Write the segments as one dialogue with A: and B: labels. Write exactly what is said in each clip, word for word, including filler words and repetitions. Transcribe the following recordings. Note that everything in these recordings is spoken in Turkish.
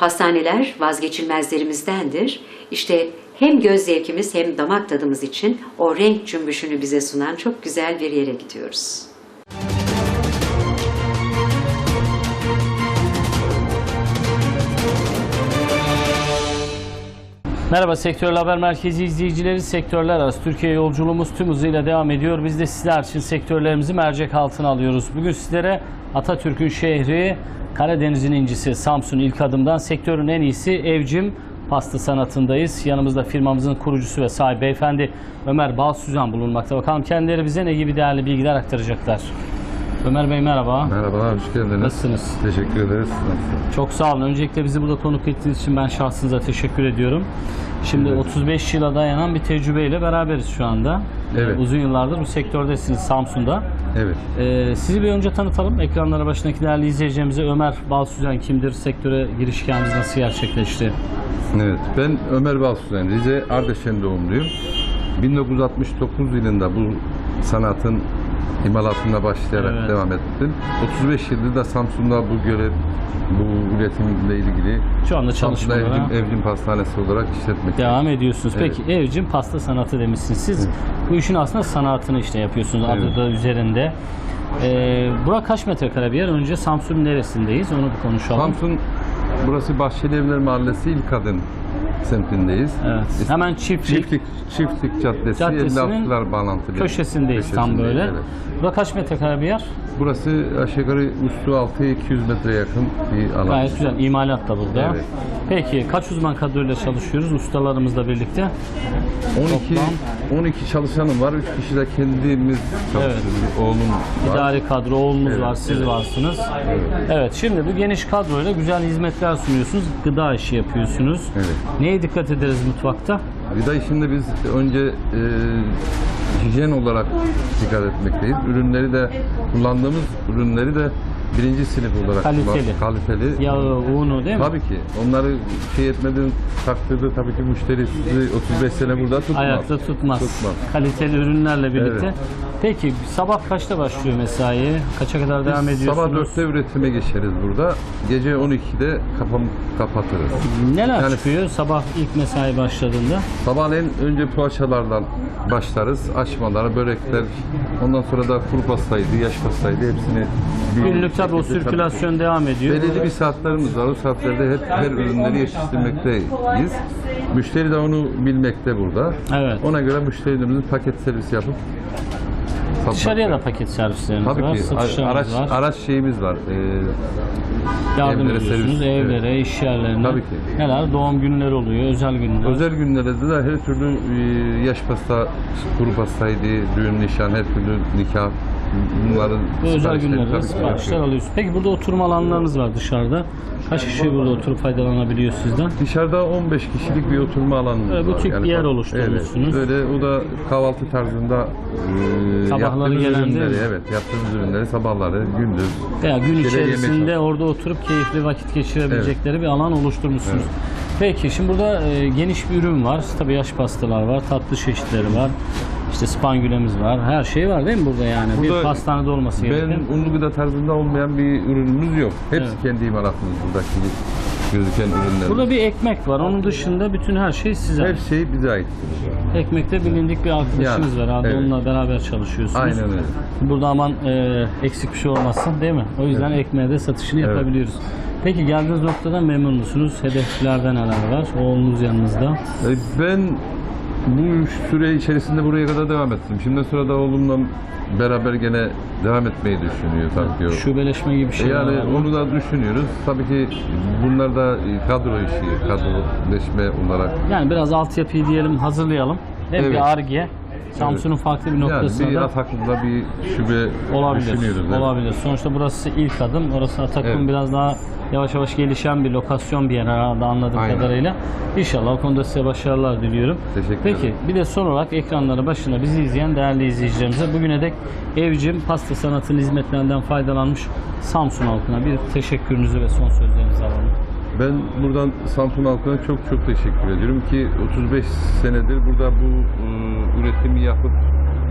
A: Pastaneler vazgeçilmezlerimizdendir. İşte hem göz zevkimiz hem damak tadımız için o renk cümbüşünü bize sunan çok güzel bir yere gidiyoruz.
B: Merhaba Sektörel Haber Merkezi izleyicileri, sektörler arası Türkiye yolculuğumuz tüm hızıyla devam ediyor. Biz de sizler için sektörlerimizi mercek altına alıyoruz. Bugün sizlere Atatürk'ün şehri, Karadeniz'in incisi Samsun ilk adımdan sektörün en iyisi Evcim pasta sanatındayız. Yanımızda firmamızın kurucusu ve sahibi beyefendi Ömer Balsüzen bulunmakta. Bakalım kendileri bize ne gibi değerli bilgiler aktaracaklar. Ömer Bey merhaba.
C: Merhabalar, hoş geldiniz.
B: Nasılsınız?
C: Teşekkür ederiz. Nasılsınız?
B: Çok sağ olun. Öncelikle bizi burada konuk ettiğiniz için ben şahsınıza teşekkür ediyorum. Şimdi evet. otuz beş yıla dayanan bir tecrübeyle beraberiz şu anda.
C: Evet.
B: Uzun yıllardır bu sektördesiniz Samsun'da.
C: Evet.
B: Ee, sizi bir önce tanıtalım. Ekranlara başındaki değerli izleyicilerimize Ömer Balsüzen kimdir? Sektöre giriş hikayemiz nasıl gerçekleşti?
C: Evet, ben Ömer Balsüzen, Rize Ardeşen doğumluyum. bin dokuz yüz altmış dokuz yılında bu sanatın imalatına başlayarak
B: Evet.
C: devam ettim. otuz beş yıldır da Samsun'da bu görev, bu üretimle ilgili
B: Şu anda
C: Samsun'da
B: çalışmalara
C: Evcim, Evcim Pastanesi olarak işletmekteyim.
B: devam ediyorsunuz.
C: Evet.
B: Peki Evcim pasta sanatı demişsiniz. Siz
C: Evet.
B: bu işin aslında sanatını işte yapıyorsunuz. Adı
C: Evet.
B: da üzerinde. Ee, bura kaç metrekare bir yer? Önce Samsun'un neresindeyiz? Onu bir konuşalım.
C: Samsun, burası Bahçeli Evler Mahallesi İlk Adım semtindeyiz.
B: Evet. Hemen çiftlik.
C: Çiftlik, Çiftlik Caddesi,
B: Caddesinin
C: elli altılar bağlantılı.
B: köşesindeyiz tam böyle.
C: Evet.
B: Bura kaç metrekare bir yer?
C: Burası aşağı yukarı üstü altı iki yüz metreye yakın bir alan.
B: Gayet güzel. İmalat da burada.
C: Evet.
B: Peki kaç uzman kadroyla çalışıyoruz ustalarımızla birlikte?
C: on iki
B: Toplam-
C: on iki çalışanım var. üç kişi de kendimiz çalışıyoruz. Oğlum var.
B: İdari kadro, oğlunuz
C: Evet,
B: var, siz
C: evet.
B: varsınız. Evet.
C: Evet.
B: Şimdi bu geniş kadroyla güzel hizmetler sunuyorsunuz. Gıda işi yapıyorsunuz.
C: Evet.
B: Neye dikkat ederiz mutfakta?
C: Gıda işinde biz önce e, hijyen olarak dikkat etmekteyiz. Ürünleri de kullandığımız ürünleri de birinci sınıf olarak
B: Kaliteli.
C: kaliteli.
B: Yağı, unu değil mi?
C: Tabii ki. Onları şey etmediğin takdirde tabii ki müşteri sizi otuz beş sene burada tutmaz.
B: Ayakta tutmaz.
C: Tutmaz.
B: Kaliteli ürünlerle birlikte.
C: Evet.
B: Peki sabah kaçta başlıyor mesai? Kaça kadar devam
C: Biz
B: ediyorsunuz?
C: sabah dörtte üretime geçeriz burada. Gece on ikide kapam, kapatırız.
B: Neler
C: Yani-
B: çıkıyor sabah ilk mesai başladığında?
C: Sabahleyin önce poğaçalardan başlarız. Açmalar, börekler. Ondan sonra da kuru pastaydı, yaş pastaydı. Hepsini bir
B: Günlük tabii o
C: şekilde
B: sirkülasyon devam ediyor.
C: belirli bir saatlerimiz var. O saatlerde hep her ürünleri yetiştirmekteyiz. Müşteri de onu bilmekte burada.
B: Evet.
C: Ona göre müşterilerimizin paket servisi yapıp satmak.
B: Dışarıya da paket servisleriniz
C: Tabii
B: var,
C: ki.
B: satışlarınız
C: Araç,
B: var.
C: araç şeyimiz var. Ee,
B: Yardım
C: evlere
B: ediyorsunuz
C: servis,
B: evlere,
C: evet.
B: iş yerlerine.
C: Tabii ki.
B: Neler? Doğum günleri oluyor, özel günler.
C: Özel günlerde de her türlü e, yaş pasta, kuru pastaydı, düğün, nişan, her türlü nikah, bunların
B: Bu özel
C: siparişleri
B: günlerde
C: tabii ki
B: siparişler
C: yapıyoruz.
B: alıyorsunuz. Peki burada oturma alanlarınız var dışarıda. Kaç kişi burada oturup faydalanabiliyor sizden?
C: Dışarıda on beş kişilik bir oturma alanımız
B: Böyle
C: var.
B: butik bir yer
C: tabii-
B: oluşturmuşsunuz.
C: Evet, öyle o da kahvaltı tarzında e,
B: Sabahları
C: yaptığımız
B: gelen değil
C: ürünleri,
B: mi?
C: evet, yaptığımız ürünleri sabahları, gündüz.
B: Veya gün
C: Şeyler yemek
B: içerisinde
C: var.
B: orada oturup keyifli vakit geçirebilecekleri bir alan oluşturmuşsunuz. Peki şimdi burada e, geniş bir ürün var. Tabii yaş pastalar var, tatlı çeşitleri var. İşte spangülemiz var. Her şey var değil mi burada yani?
C: Burada
B: bir pastanede olması gereken.
C: Ben unlu gıda tarzında olmayan bir ürünümüz yok. Hepsi
B: Evet.
C: kendi imalatımız buradaki gözüken ürünler.
B: Burada bir ekmek var. Onun dışında bütün her şey size
C: her
B: ait.
C: şey bize ait.
B: Ekmekte bilindik bir arkadaşınız
C: Yani,
B: var. Abi
C: evet.
B: onunla beraber çalışıyorsunuz.
C: Aynen öyle.
B: Burada aman e, eksik bir şey olmasın değil mi? O yüzden
C: Evet.
B: ekmeğe de satışını
C: Evet.
B: yapabiliyoruz. Peki geldiğiniz noktadan memnun musunuz? Hedeflerde neler var? Oğlunuz yanınızda.
C: E, Ben bu süre içerisinde buraya kadar devam ettim. Şimdi sonra da oğlumla beraber gene devam etmeyi düşünüyor tabii ki o.
B: Şubeleşme gibi bir
C: E
B: şey
C: yani
B: var mı?
C: onu da düşünüyoruz. Tabii ki bunlar da kadro işi, kadroleşme olarak.
B: Yani biraz altyapıyı diyelim hazırlayalım. Hem
C: Evet.
B: bir Ar-Ge, Samsun'un farklı bir
C: Yani
B: noktasında
C: bir
B: da
C: Ataklı'da bir şube
B: olabilir.
C: düşünüyoruz. evet.
B: Olabilir. Sonuçta burası ilk adım. Orası Atak'ın
C: Evet.
B: biraz daha yavaş yavaş gelişen bir lokasyon bir yer herhalde anladığım
C: Aynen.
B: kadarıyla. İnşallah o konuda size başarılar diliyorum.
C: Teşekkür
B: Peki
C: ederim.
B: bir de son olarak ekranları başında bizi izleyen değerli izleyicilerimize bugüne dek Evcim pasta sanatının hizmetlerinden faydalanmış Samsun halkına bir teşekkürünüzü ve son sözlerinizi alalım.
C: Ben buradan Samsun halkına çok çok teşekkür ediyorum ki otuz beş senedir burada bu e, üretimi yapıp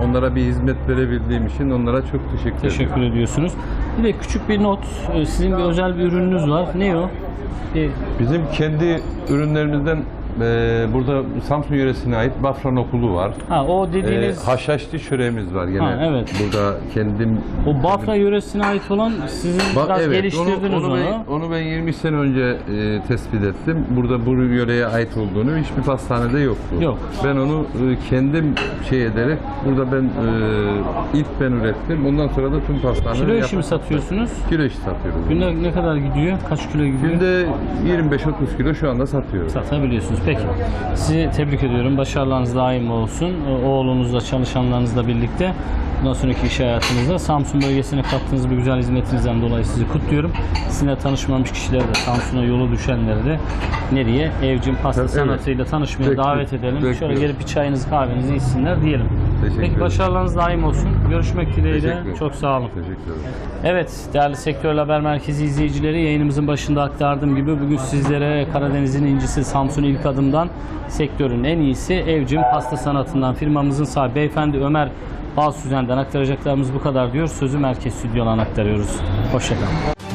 C: onlara bir hizmet verebildiğim için onlara çok teşekkür, ederim.
B: Teşekkür ediyorsunuz. Bir de küçük bir not. e, Sizin bir özel bir ürününüz var. Ne o? E,
C: Bizim kendi ürünlerimizden e, burada Samsun yöresine ait Bafra nokulu var.
B: ha o
C: E,
B: dediğiniz
C: haşhaşlı çöreğimiz var gene.
B: Ha, evet.
C: Burada kendim
B: o Bafra yöresine ait olan sizin
C: Ba-
B: biraz
C: evet,
B: geliştirdiniz
C: onu,
B: onu.
C: onu, ben, onu ben yirmi sene önce e, tespit ettim. Burada bu yöreye ait olduğunu hiçbir pastanede yoktu.
B: Yok.
C: Ben onu e, kendim şey ederek burada ben e, ilk ben ürettim. Ondan sonra da tüm pastaneleri
B: Kilo işi mi
C: yaptım.
B: satıyorsunuz?
C: Kilo işi satıyoruz.
B: Günde ne kadar gidiyor? Kaç kilo gidiyor?
C: Günde yirmi beş otuz kilo şu anda satıyoruz.
B: Satabiliyorsunuz. Peki. Sizi tebrik ediyorum. Başarılarınız daim olsun. Oğlunuzla, çalışanlarınızla birlikte bundan sonraki iş hayatınızda Samsun bölgesine kattığınız bu güzel hizmetinizden dolayı sizi kutluyorum. Sizinle tanışmamış kişileri de, Samsun'a yolu düşenleri de nereye? Evcim pasta
C: Evet.
B: sanatıyla tanışmaya
C: Bekliyorum.
B: davet edelim. Şöyle
C: Bekliyorum.
B: gelip bir çayınızı, kahvenizi içsinler diyelim.
C: Teşekkür
B: Peki
C: ederim.
B: başarılarınız daim olsun. Görüşmek dileğiyle.
C: Teşekkür ederim.
B: Çok sağ olun.
C: Teşekkür ederim.
B: Evet, değerli Sektör Haber Merkezi izleyicileri, yayınımızın başında aktardığım gibi bugün sizlere Karadeniz'in incisi Samsun İlk Adım'dan sektörün en iyisi Evcim Pasta Sanatı'ndan firmamızın sahibi beyefendi Ömer Balsüzen'den aktaracaklarımız bu kadar diyor. Sözü merkez stüdyodan aktarıyoruz. Hoşçakalın.